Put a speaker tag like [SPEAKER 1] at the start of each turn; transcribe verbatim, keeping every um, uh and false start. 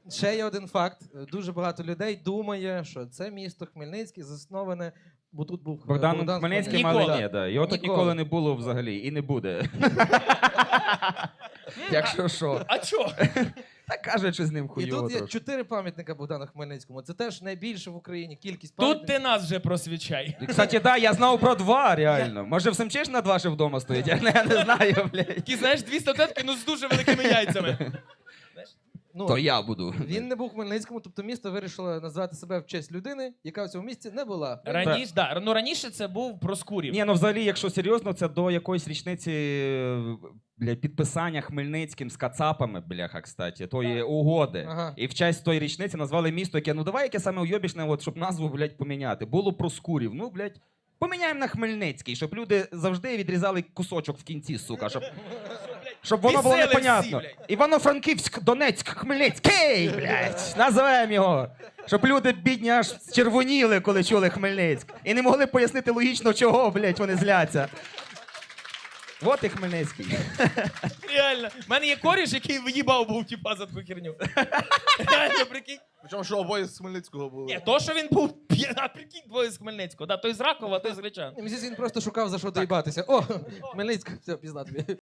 [SPEAKER 1] Ще є один факт. Дуже багато людей думає, що це місто Хмельницький засноване, бо тут був е,
[SPEAKER 2] Богдан,
[SPEAKER 1] Богдан
[SPEAKER 2] Хмельницький,
[SPEAKER 3] Ніколи.
[SPEAKER 2] але ні, да. Його тут
[SPEAKER 1] Ніколи.
[SPEAKER 2] ніколи не було взагалі і не буде. Якщо що.
[SPEAKER 3] А чо?
[SPEAKER 2] Так кажуть, що з ним
[SPEAKER 1] І
[SPEAKER 2] хуйово
[SPEAKER 1] тут є
[SPEAKER 2] трошки.
[SPEAKER 1] чотири пам'ятника Богдану Хмельницькому. Це теж найбільше в Україні кількість
[SPEAKER 3] Тут
[SPEAKER 1] пам'ятників.
[SPEAKER 3] ти нас вже просвічай.
[SPEAKER 2] І, кстати, да, я знав про два, реально. Може, в Семчиш на два ще вдома стоїть? Я не, я не знаю, блядь.
[SPEAKER 3] Такі, знаєш, дві статуетки, ну з дуже великими яйцями.
[SPEAKER 1] Ну,
[SPEAKER 2] То я буду.
[SPEAKER 1] він не був у Хмельницькому, тобто місто вирішило назвати себе в честь людини, яка в цьому місті не була.
[SPEAKER 3] Раніше, да, ну раніше це був Проскурів.
[SPEAKER 2] Ні, ну взагалі, якщо серйозно, це до якоїсь річниці е, бля, підписання Хмельницьким з кацапами, бляха, кстати, тої угоди.
[SPEAKER 1] Ага.
[SPEAKER 2] І в честь тої річниці назвали місто, яке, ну давай яке саме уйобічне, от, щоб назву, блядь, поміняти. Було Проскурів, ну, блядь, поміняємо на Хмельницький, щоб люди завжди відрізали кусочок в кінці, сука, щоб... Щоб воно було
[SPEAKER 3] Весели всі,
[SPEAKER 2] непонятно.
[SPEAKER 3] блядь.
[SPEAKER 2] Івано-Франківськ, Донецьк, Хмельницький, блядь, називаємо його. Щоб люди бідні аж червоніли, коли чули Хмельницьк. І не могли пояснити логічно, чого, блядь, вони зляться. От і Хмельницький.
[SPEAKER 3] Реально. У мене є коріш, який в'їбав був, типа, за таку херню. Реально, прикинь.
[SPEAKER 4] Причому, що обоє з Хмельницького були.
[SPEAKER 3] Ні, то, що він був п'я- а прикинь, двоє з Хмельницького. Да, той з Ракова, той з Гречан.
[SPEAKER 1] Мені здається, він просто шукав за що доїбатися. О, Хмельницька, все, пізна тобі.